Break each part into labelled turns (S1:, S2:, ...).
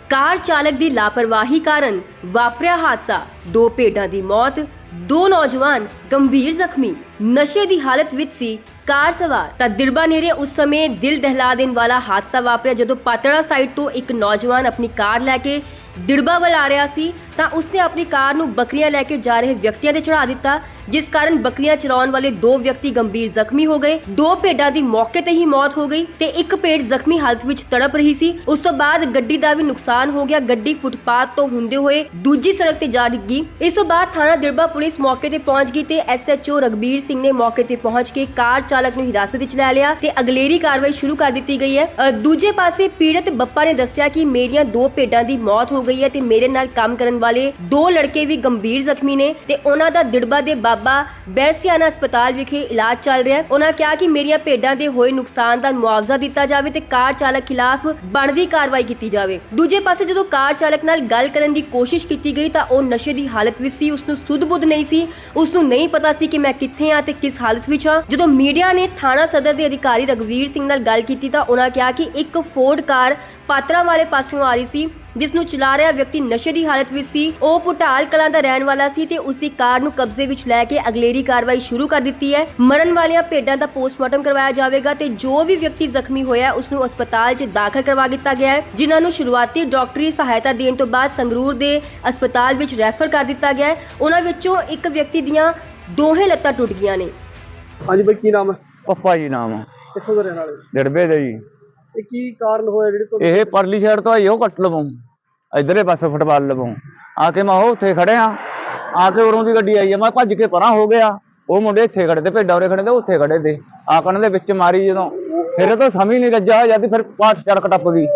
S1: ਕਾਰ ਚਾਲਕ ਦੀ ਲਾਪਰਵਾਹੀ ਕਾਰਨ ਵਾਪਰਿਆ ਹਾਦਸਾ, 2 ਭੇਡਾਂ ਦੀ ਮੌਤ, 2 ਨੌਜਵਾਨ ਗੰਭੀਰ ਜ਼ਖਮੀ। ਨਸ਼ੇ ਦੀ ਹਾਲਤ ਵਿੱਚ ਸੀ ਕਾਰ ਸਵਾਰ। ਤਾਂ ਦਿੜਬਾ ਨੇੜੇ ਉਸ ਸਮੇਂ ਦਿਲ ਦਹਿਲਾ ਦੇਣ ਵਾਲਾ ਹਾਦਸਾ ਵਾਪਰਿਆ ਜਦੋਂ ਪਾਤੜਾ ਸਾਈਡ ਤੋਂ ਇੱਕ ਨੌਜਵਾਨ ਆਪਣੀ ਕਾਰ ਲੈ ਕੇ ਦਿੜਬਾ ਵੱਲ ਆ ਰਿਹਾ ਸੀ ਤਾਂ ਉਸਨੇ ਆਪਣੀ ਕਾਰ ਨੂੰ ਬੱਕਰੀਆਂ ਲੈ ਕੇ ਜਾ ਰਹੇ ਵਿਅਕਤੀਆਂ ਤੇ ਚੜਾ ਦਿੱਤਾ, ਜਿਸ ਕਾਰਨ ਬੱਕਰੀਆਂ ਚਰਾਉਣ ਵਾਲੇ 2 ਵਿਅਕਤੀ ਗੰਭੀਰ ਜ਼ਖਮੀ ਹੋ ਗਏ। 2 ਭੇਡਾਂ ਦੀ ਮੌਕੇ ਤੇ ਹੀ ਮੌਤ ਹੋ ਗਈ ਤੇ ਇੱਕ ਭੇਡ ਜ਼ਖਮੀ ਹਾਲਤ ਵਿੱਚ ਤੜਪ ਰਹੀ ਸੀ। ਉਸ ਤੋਂ ਬਾਅਦ ਗੱਡੀ ਦਾ ਵੀ ਨੁਕਸਾਨ ਹੋ ਗਿਆ। ਗੱਡੀ ਫੁੱਟਪਾਥ ਤੋਂ ਹੁੰਦੇ ਹੋਏ ਦੂਜੀ ਸੜਕ ਤੇ ਜਾ ਡਿੱਗੀ। ਇਸ ਤੋਂ ਬਾਅਦ ਥਾਣਾ ਦਿੜਬਾ ਪੁਲਿਸ ਮੌਕੇ ਤੇ ਪਹੁੰਚ ਗਈ ਤੇ SHO ਰਗਬੀਰ ਸਿੰਘ ਨੇ ਮੌਕੇ ਤੇ ਪਹੁੰਚ ਕੇ ਕਾਰ ਚਾਲਕ ਨੂੰ ਹਿਰਾਸਤ ਵਿੱਚ ਲੈ ਲਿਆ ਤੇ ਅਗਲੇਰੀ ਕਾਰਵਾਈ ਸ਼ੁਰੂ ਕਰ ਦਿੱਤੀ ਗਈ ਹੈ। ਦੂਜੇ ਪਾਸੇ ਪੀੜਤ ਬੱਪਾ ਨੇ ਦੱਸਿਆ ਕਿ ਮੇਰੀਆਂ 2 ਭੇਡਾਂ ਦੀ ਮੌਤ ਹੋ ਗਈ ਹੈ ਤੇ ਮੇਰੇ ਨਾਲ ਕੰਮ ਕਰਨ ਵਾਲੇ 2 ਲੜਕੇ ਵੀ ਗੰਭੀਰ ਜ਼ਖਮੀ ਨੇ ਤੇ ਉਹਨਾਂ ਦਾ ਦਿੜਬਾ ਦੇ ਬਾਬਾ ਬੈਰਸੀਆਨਾ ਹਸਪਤਾਲ ਵਿਖੇ ਇਲਾਜ ਚੱਲ ਰਿਹਾ ਹੈ। ਉਹਨਾਂ ਕਿਹਾ ਕਿ ਮੇਰੀਆਂ ਭੇਡਾਂ ਦੇ ਹੋਏ ਨੁਕਸਾਨ ਦਾ ਮੁਆਵਜ਼ਾ ਦਿੱਤਾ ਜਾਵੇ ਤੇ ਕਾਰ ਚਾਲਕ ਖਿਲਾਫ ਬਣਦੀ ਕਾਰਵਾਈ ਕੀਤੀ ਜਾਵੇ। ਦੂਜੇ ਪਾਸੇ ਜਦੋਂ ਕਾਰ ਚਾਲਕ ਨਾਲ ਗੱਲ ਕਰਨ ਦੀ ਕੋਸ਼ਿਸ਼ ਕੀਤੀ ਗਈ ਤਾਂ ਉਹ ਨਸ਼ੇ ਦੀ ਹਾਲਤ ਵਿੱਚ ਸੀ, ਉਸ ਨੂੰ ਸੁੱਧ-ਬੁੱਧ ਨਹੀਂ ਸੀ, ਉਸ ਨੂੰ ਨਹੀਂ ਪਤਾ ਸੀ ਕਿ ਮੈਂ ਕਿੱਥੇ ਹਾਂ ਤੇ ਕਿਸ ਹਾਲਤ ਵਿੱਚ ਹਾਂ। ਜਦੋਂ ਮੀਡੀਆ ਨੇ ਥਾਣਾ ਸਦਰ ਦੇ ਅਧਿਕਾਰੀ ਰਗਵੀਰ ਸਿੰਘ ਨਾਲ ਗੱਲ ਕੀਤੀ ਤਾਂ ਉਹਨਾਂ ਕਿਹਾ ਕਿ ਇੱਕ ਫੋਰਡ ਕਾਰ ਪਾਤੜਾ ਵਾਲੇ ਪਾਸਿਓਂ ਆ ਰਹੀ ਸੀ, ਜਿਸ ਨੂੰ ਚਲਾ ਰਿਹਾ ਵਿਅਕਤੀ ਨਸ਼ੇ ਦੀ ਹਾਲਤ ਵਿੱਚ ਸੀ। ਉਹ ਪੁਟਾਲ ਕਲਾਂ ਦਾ ਰਹਿਣ ਵਾਲਾ ਸੀ ਤੇ ਉਸ ਦੀ ਕਾਰ ਨੂੰ ਕਬਜ਼ੇ ਵਿੱਚ ਲੈ ਕੇ ਅਗਲੇਰੀ ਕਾਰਵਾਈ ਸ਼ੁਰੂ ਕਰ ਦਿੱਤੀ ਹੈ। ਮਰਨ ਵਾਲੀਆਂ ਭੇਡਾਂ ਦਾ ਪੋਸਟਮਾਰਟਮ ਕਰਵਾਇਆ ਜਾਵੇਗਾ ਤੇ ਜੋ ਵੀ ਵਿਅਕਤੀ ਜ਼ਖਮੀ ਹੋਇਆ ਉਸ ਨੂੰ ਹਸਪਤਾਲ 'ਚ ਦਾਖਲ ਕਰਵਾ ਦਿੱਤਾ ਗਿਆ ਹੈ, ਜਿਨ੍ਹਾਂ ਨੂੰ ਸ਼ੁਰੂਆਤੀ ਡਾਕਟਰੀ ਸਹਾਇਤਾ ਦੇਣ ਤੋਂ ਬਾਅਦ ਸੰਗਰੂਰ ਦੇ ਹਸਪਤਾਲ ਵਿੱਚ ਰੈਫਰ ਕਰ ਦਿੱਤਾ ਗਿਆ ਹੈ। ਉਹਨਾਂ ਵਿੱਚੋਂ ਇੱਕ ਵਿਅਕਤੀ ਦੀਆਂ ਦੋਹੇ ਲੱਤਾਂ ਟੁੱਟ ਗਈਆਂ ਨੇ।
S2: ਹਾਂਜੀ ਬਾਈ, ਕੀ ਨਾਮ ਹੈ?
S3: ਪੱਪਾ ਜੀ ਨਾਮ ਆ।
S2: ਕਿੱਥੋਂ ਦੇ ਰਹਿਣ ਵਾਲੇ?
S3: ਦਿੜਬੇ ਦੇ ਜੀ।
S2: ਇਹ ਕੀ ਕਾਰਨ ਹੋਇਆ ਜਿਹੜੇ ਤੁਹਾਨੂੰ?
S3: ਇਹ ਪਰਲੀ ਸਾਈਡ ਤੋਂ ਆਈ ਉਹ ਕੱਟ ਲਵਾਂ, ਇਧਰਲੇ ਪਾਸੇ ਫੁੱਟਬਾਲ ਲਵਾਂ ਆ ਕੇ ਮੈਂ ਉਹ ਉੱਥੇ ਖੜਿਆ, ਆ ਕੇ ਉਰੋਂ ਦੀ ਗੱਡੀ ਆਈ ਆ, ਮੈਂ ਭੱਜ ਕੇ ਪਰਾਂ ਹੋ ਗਿਆ। ਉਹ ਮੁੰਡੇ ਇੱਥੇ ਖੜੇ ਤੇ ਭੇਡਾਂ ਉਰੇ ਖੜੇ ਤੇ ਉੱਥੇ ਖੜੇ ਤੇ ਆਕਣ ਦੇ ਵਿੱਚ ਮਾਰੀ ਜਦੋਂ, ਫਿਰ ਤਾਂ ਸਮਝ ਨਹੀਂ ਰੱਜਾ ਹੋ ਜਾਂਦੀ, ਫਿਰ ਪਾਠ ਸੜਕ ਟੱਪ ਗਈ।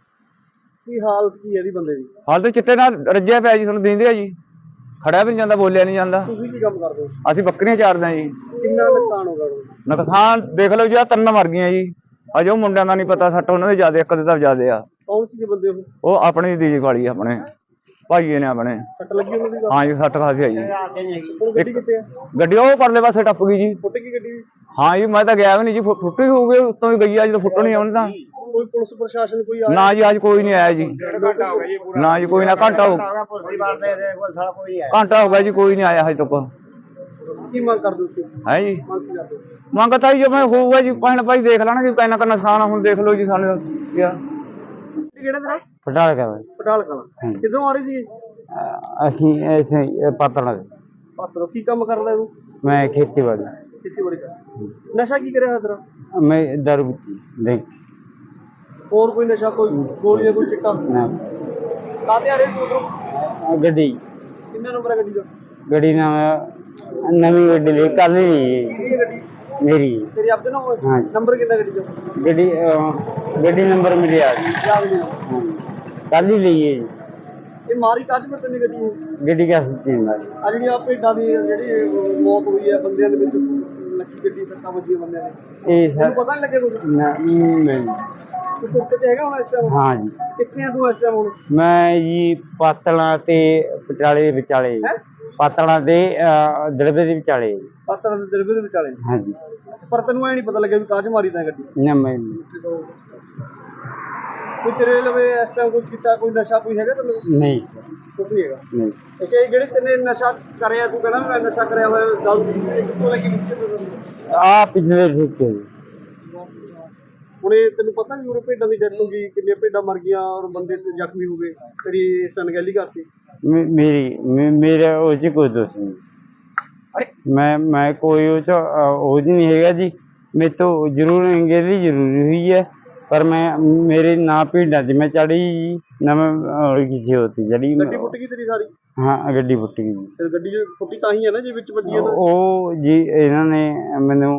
S2: ਕੀ ਹਾਲਤ ਕੀ ਹੈ ਇਹਦੀ ਬੰਦੇ ਦੀ?
S3: ਹਾਲ ਤੇ ਚਿੱਟੇ ਨਾਲ ਰੱਜਿਆ ਪਿਆ ਜੀ, ਤੁਹਾਨੂੰ ਦਿੰਦੇ ਆ ਜੀ, ਖੜਿਆ ਵੀ ਨਹੀਂ ਜਾਂਦਾ, ਬੋਲਿਆ ਨਹੀਂ ਜਾਂਦਾ।
S2: ਤੁਸੀਂ ਕੀ ਕੰਮ ਕਰਦੇ ਹੋ?
S3: ਅਸੀਂ ਬੱਕਰੀਆਂ ਚਾਰਦੇ ਆ ਜੀ।
S2: ਕਿੰਨਾ ਨੁਕਸਾਨ ਹੋ ਗਿਆ?
S3: ਨੁਕਸਾਨ ਦੇਖ ਲਓ ਜੀ, ਆ 3 ਮਰ ਗਈਆਂ ਜੀ। ਅਜੇ ਉਹ ਮੁੰਡਿਆਂ ਦਾ ਨਹੀਂ ਪਤਾ, ਸੱਟ ਉਹਨਾਂ ਦੇ ਜ਼ਿਆਦਾ, ਇੱਕ ਦੇ ਤਾਂ ਜ਼ਿਆਦਾ ਆ।
S2: ਕੌਣ ਸੀ ਬੰਦੇ ਉਹ?
S3: ਉਹ ਆਪਣੀ ਦੀ ਵਾਲੀ ਆਪਣੇ ਭਾਈਏ ਨੇ ਆਪਣੇ।
S2: ਸੱਟ ਲੱਗੀ ਉਹਨਾਂ ਦੀ?
S3: ਹਾਂ ਜੀ, ਸੱਟ ਖਾਸੀ ਆਈ ਜੀ।
S2: ਹੁਣ ਗੱਡੀ ਕਿੱਥੇ ਹੈ?
S3: ਗੱਡੀ ਉਹ ਪਰਲੇ ਪਾਸੇ ਟੱਪ ਗਈ ਜੀ।
S2: ਫੁੱਟ ਗਈ ਗੱਡੀ?
S3: ਹਾਂ ਜੀ, ਮੈਂ ਤਾਂ ਗਿਆ ਵੀ ਨਹੀਂ ਜੀ, ਫੁੱਟੀ ਹੋਊਗੀ ਉੱਤੋਂ ਹੀ ਗਈ ਆ, ਜਦੋਂ ਫੁੱਟਣੀ ਆਉਣੀ ਤਾਂ।
S2: ਕੋਈ ਪੁਲਿਸ ਪ੍ਰਸ਼ਾਸਨ ਕੋਈ ਆਇਆ?
S3: ਨਾ ਜੀ, ਅੱਜ ਕੋਈ ਨਹੀਂ ਆਇਆ ਜੀ। ਨਾ ਜੀ, ਕੋਈ ਨਾ, ਘੰਟਾ ਹੋ ਗਿਆ ਜੀ, ਕੋਈ ਨਹੀਂ ਆਇਆ ਹਜੇ ਤੱਕ।
S2: ਕੀ ਮੰਗ ਕਰਦੇ ਹੋ?
S3: ਹੈ ਜੀ,
S2: ਮੰਗ ਕੀ ਕਰਦੇ?
S3: ਮੰਗ ਤਾਂ ਜੀ ਮੈਂ ਹੋਊਗਾ ਜੀ, ਭੈਣ ਭਾਈ ਦੇਖ ਲੈਣਾ ਜੀ, ਕਿੰਨਾ ਕੁ ਨੁਕਸਾਨ ਆ। ਹੁਣ ਦੇਖ ਲਓ ਜੀ, ਸਾਨੂੰ ਕਿਹਾ
S2: ਕਿਹੜਾ ਤੇਰਾ?
S3: ਪਟਾਲ ਕਾ
S2: ਪਟਾਲ ਕਲਾਂ। ਕਿੱਧਰੋਂ ਆ ਰਹੀ ਸੀ?
S3: ਅਸੀਂ ਇੱਥੇ ਪਾਤੜਾ ਦੇ।
S2: ਪਾਤੜੋਂ। ਕੀ ਕੰਮ ਕਰਦਾ ਤੂੰ?
S3: ਮੈਂ ਖੇਤੀਬਾੜੀ।
S2: ਖੇਤੀਬਾੜੀ ਕਰ। ਨਸ਼ਾ ਕੀ ਕਰਿਆ ਤੇਰਾ?
S3: ਮੈਂ ਦਾਰੂ ਦੇਖ
S2: ਹੋਰ ਕੋਈ ਨਸ਼ਾ, ਕੋਈ ਗੋਲੀਆਂ, ਕੋਈ ਚਿੱਟਾ? ਕਾਹਤੇ ਆ ਰਹੇ ਤੂੰ ਉਧਰੋਂ?
S3: ਗੱਡੀ।
S2: ਕਿੰਨਾ ਨੰਬਰ ਹੈ ਗੱਡੀ ਦਾ?
S3: ਗੱਡੀ ਨਾਲ ਨਵੀਂ ਗੱਡੀ ਲਈ ਕੱਲ ਲਈ
S2: ਕਿਹੜੀ ਗੱਡੀ?
S3: ਮੇਰੀ।
S2: ਤੇਰੀ ਆਪਦੇ ਨਾਲ ਹੋਏ?
S3: ਹਾਂ।
S2: ਨੰਬਰ ਕਿੰਨਾ ਗੱਡੀ ਦਾ?
S3: ਗੱਡੀ ਨੰਬਰ ਮਿਲਿਆ
S2: ਯਾਦ ਨਹੀਂ?
S3: ਕੱਲ ਹੀ ਲਈ ਹੈ ਜੀ।
S2: ਇਹ ਮਾਰੀ ਕਾਜ ਪਰ ਤੈਨੂੰ ਗੱਡੀ ਇਹ?
S3: ਗੱਡੀ ਕਿਆ ਸੱਚੀ ਮਾਰੀ।
S2: ਆ ਜਿਹੜੀ ਆ ਭੇਡਾਂ ਦੀ ਜਿਹੜੀ ਮੌਤ ਹੋਈ ਹੈ ਬੰਦਿਆਂ ਦੇ ਵਿੱਚ, ਲੱਗੀ ਗੱਡੀ, ਸੱਟਾਂ ਵੱਜੀਆਂ ਬੰਦਿਆਂ ਦੇ,
S3: ਇਹ ਸਰ
S2: ਤੈਨੂੰ ਪਤਾ ਨਹੀਂ ਲੱਗਿਆ ਕੁਝ?
S3: ਨਹੀਂ।
S2: ਤੂੰ ਤੁਰਤੇ ਚ ਹੈਗਾ ਹੁਣ ਇਸ ਟਾਈਮ?
S3: ਹਾਂ ਜੀ।
S2: ਕਿੱਥੇ ਆ ਤੂੰ ਇਸ ਟਾਈਮ ਹੁਣ?
S3: ਮੈਂ ਜੀ ਪਾਤਲਾਂ ਤੇ ਪਟਿਆਲੇ ਦੇ ਵਿਚਾਲੇ।
S2: ਹੈਂ?
S3: ਪਾਤਲਾਂ ਤੇ ਦਿੜਬੇ ਦੇ ਵਿਚਾਲੇ।
S2: ਪਾਤੜਾਂ ਦੇ ਦਰਬੇ ਦੇ ਵਿਚਾਲੇ?
S3: ਹਾਂ ਜੀ।
S2: ਪਰ ਤੈਨੂੰ ਐ ਨਹੀਂ ਪਤਾ ਲੱਗਿਆ ਵੀ ਕਾਜ ਮਾਰੀ ਤਾਂ ਗੱਡੀ?
S3: ਨਾ ਮੈਂ
S2: ਕੋਈ ਤੇਰੇ ਲਵੇ ਇਸ ਟਾਈਮ ਕੋਈ ਚਿੱਟਾ, ਕੋਈ ਨਸ਼ਾ ਕੋਈ ਹੈਗਾ ਤੈਨੂੰ?
S3: ਨਹੀਂ ਸਰ,
S2: ਕੁਛ ਨਹੀਂ ਹੈਗਾ।
S3: ਨਹੀਂ।
S2: ਇਹ ਜਿਹੜੇ ਤੈਨੇ ਨਸ਼ਾ ਕਰਿਆ, ਤੂੰ ਕਹਿੰਦਾ ਮੈਂ ਨਸ਼ਾ ਕਰਿਆ ਹੋਇਆ, ਗੱਲ ਕਿੱਥੋਂ ਲੱਗੀ?
S3: ਆ ਪਿਛਲੇ ਠੇਕੇ ਜੀ।
S2: ਹੁਣ ਇਹ ਤੈਨੂੰ ਪਤਾ ਵੀ ਉਹ ਭੇਡਾਂ ਦੀ ਡੈਥ ਹੋ ਗਈ, ਕਿੰਨੀਆਂ ਭੇਡਾਂ ਮਰ ਗਈਆਂ ਔਰ ਬੰਦੇ ਜ਼ਖਮੀ ਹੋ ਗਏ, ਤੇਰੀ ਅਣਗਹਿਲੀ ਕਰਤੀ?
S3: ਮੇਰਾ ਉਹ 'ਚ ਕੋਈ ਦੋਸ਼ ਨਹੀਂ। ਮੈਂ ਕੋਈ ਉਹ 'ਚ ਉਹ ਨਹੀਂ ਹੈਗਾ ਜੀ। ਮੇਰੇ ਤੋਂ ਜ਼ਰੂਰ ਅਣਗਹਿਲੀ ਜ਼ਰੂਰੀ ਹੋਈ ਹੈ, ਪਰ ਮੇਰੇ ਨਾ ਭੇਡਾਂ 'ਚ ਮੈਂ ਚੜੀ ਜੀ, ਨਾ ਮੈਂ ਕਿਸੇ ਹੋਰ 'ਤੇ ਚੜੀ।
S2: ਗੱਡੀ ਫੁੱਟ ਗਈ ਤੇਰੀ ਸਾਰੀ?
S3: ਹਾਂ, ਗੱਡੀ ਫੁੱਟ ਗਈ ਜੀ।
S2: ਤੇ ਗੱਡੀ ਜੇ ਫੁੱਟੀ ਤਾਂ ਹੀ ਹੈ ਨਾ ਜੇ ਵਿੱਚ ਵੱਜੀ ਹੈ।
S3: ਉਹ ਜੀ ਇਹਨਾਂ ਨੇ ਮੈਨੂੰ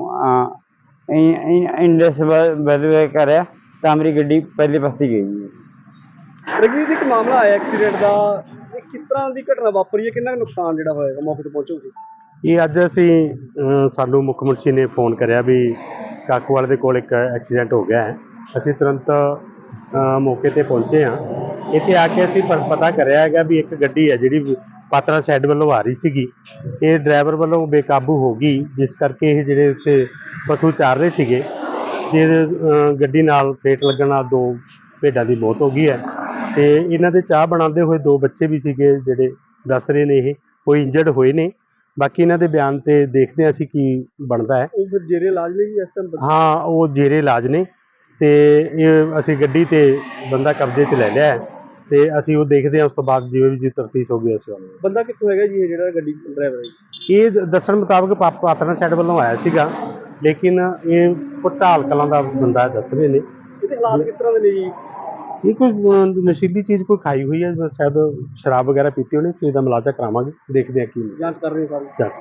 S3: ਇੰਡਸ ਬਦਲ ਕਰਿਆ ਤਾਂ ਮੇਰੀ ਗੱਡੀ ਪਹਿਲੇ ਪਾਸੇ ਗਈ ਜੀ।
S2: ਰਘਵੀਰ, ਇੱਕ ਮਾਮਲਾ ਆਇਆ ਐਕਸੀਡੈਂਟ ਦਾ, ਇਹ ਕਿਸ ਤਰ੍ਹਾਂ ਦੀ ਘਟਨਾ ਵਾਪਰੀ ਹੈ? ਕਿੰਨਾ ਨੁਕਸਾਨ ਜਿਹੜਾ ਹੋਏਗਾ? ਮੌਕੇ ਤੇ ਪਹੁੰਚੋ ਤੁਸੀਂ?
S4: ਇਹ ਅੱਜ ਅਸੀਂ ਸਾਨੂੰ ਮੁੱਖ ਮੰਤਰੀ ਨੇ ਫੋਨ ਕਰਿਆ ਵੀ ਕਾਕੂਵਾਲ ਦੇ ਕੋਲ ਇੱਕ ਐਕਸੀਡੈਂਟ ਹੋ ਗਿਆ ਹੈ। ਅਸੀਂ ਤੁਰੰਤ ਮੌਕੇ ਤੇ ਪਹੁੰਚੇ ਹਾਂ। ਇੱਥੇ ਆ ਕੇ ਅਸੀਂ ਪਤਾ ਕਰਿਆ ਹੈਗਾ ਵੀ ਇੱਕ ਗੱਡੀ ਹੈ ਜਿਹੜੀ ਪਾਤੜਾ ਸਾਈਡ ਵੱਲੋਂ ਆ ਰਹੀ ਸੀਗੀ, ਇਹ ਡਰਾਈਵਰ ਵੱਲੋਂ ਬੇਕਾਬੂ ਹੋ ਗਈ, ਜਿਸ ਕਰਕੇ ਇਹ ਜਿਹੜੇ ਉੱਥੇ ਪਸ਼ੂ ਚਾਰ ਰਹੇ ਸੀਗੇ, ਜੇ ਗੱਡੀ ਨਾਲ ਫੇਟ ਲੱਗਣ ਨਾਲ 2 ਭੇਡਾਂ ਦੀ ਮੌਤ ਹੋ ਗਈ ਹੈ ਤੇ ਇਹਨਾਂ ਦੇ ਚਾਹ ਬਣਾਉਂਦੇ ਹੋਏ 2 ਬੱਚੇ ਵੀ ਸੀਗੇ ਜਿਹੜੇ ਦੱਸ ਰਹੇ ਨੇ, ਇਹ ਕੋਈ ਇੰਜਰਡ ਹੋਏ ਨੇ। ਬਾਕੀ ਇਹਨਾਂ ਦੇ ਬਿਆਨ ਤੇ ਦੇਖਦੇ ਹਾਂ ਅਸੀਂ ਕੀ ਬਣਦਾ ਹੈ।
S2: ਉਹ ਫਿਰ ਜੇਰੇ ਇਲਾਜ ਲਈ ਇਸ ਟਾਈਮ
S4: ਹਾਂ, ਉਹ ਜੇਰੇ ਇਲਾਜ ਨੇ ਤੇ ਇਹ ਅਸੀਂ ਗੱਡੀ ਤੇ ਬੰਦਾ ਕਬਜ਼ੇ 'ਚ ਲੈ ਲਿਆ ਹੈ ਤੇ ਅਸੀਂ ਉਹ ਦੇਖਦੇ ਹਾਂ, ਉਸ ਤੋਂ ਬਾਅਦ ਜਿਵੇਂ ਵੀ ਤਫਤੀਸ਼ ਹੋਊਗੀ ਉਸ ਵੱਲ।
S2: ਬੰਦਾ ਕਿੱਥੋਂ ਹੈਗਾ ਜੀ ਇਹ ਜਿਹੜਾ ਗੱਡੀ ਡਰਾਈਵਰ ਹੈ?
S4: ਇਹ ਦੱਸਣ ਮੁਤਾਬਕ ਪਾਤੜਾਂ ਸਾਈਡ ਵੱਲੋਂ ਆਇਆ ਸੀਗਾ, ਲੇਕਿਨ ਇਹ ਪਟਾਲ ਕਲਾਂ ਦਾ ਬੰਦਾ ਦੱਸ ਰਹੇ ਨੇ।
S2: ਇਹਦੇ ਹਾਲਾਤ ਕਿਸ ਤਰ੍ਹਾਂ ਦੇ ਨੇ ਜੀ?
S4: ਇਹ ਕੋਈ ਨਸ਼ੀਲੀ ਚੀਜ਼ ਕੋਈ ਖਾਈ ਹੋਈ ਹੈ, ਸ਼ਾਇਦ ਸ਼ਰਾਬ ਵਗੈਰਾ ਪੀਤੀ ਹੋਣੀ। ਇਸ ਚੀਜ਼ ਦਾ ਮੁਲਾਜ਼ਾ ਕਰਾਵਾਂਗੇ, ਦੇਖਦੇ ਹਾਂ ਕੀ
S2: ਜਾਂਚ ਕਰ ਰਹੇ ਹੋ ਸਾਰੀ।
S4: ਜਾਂਚ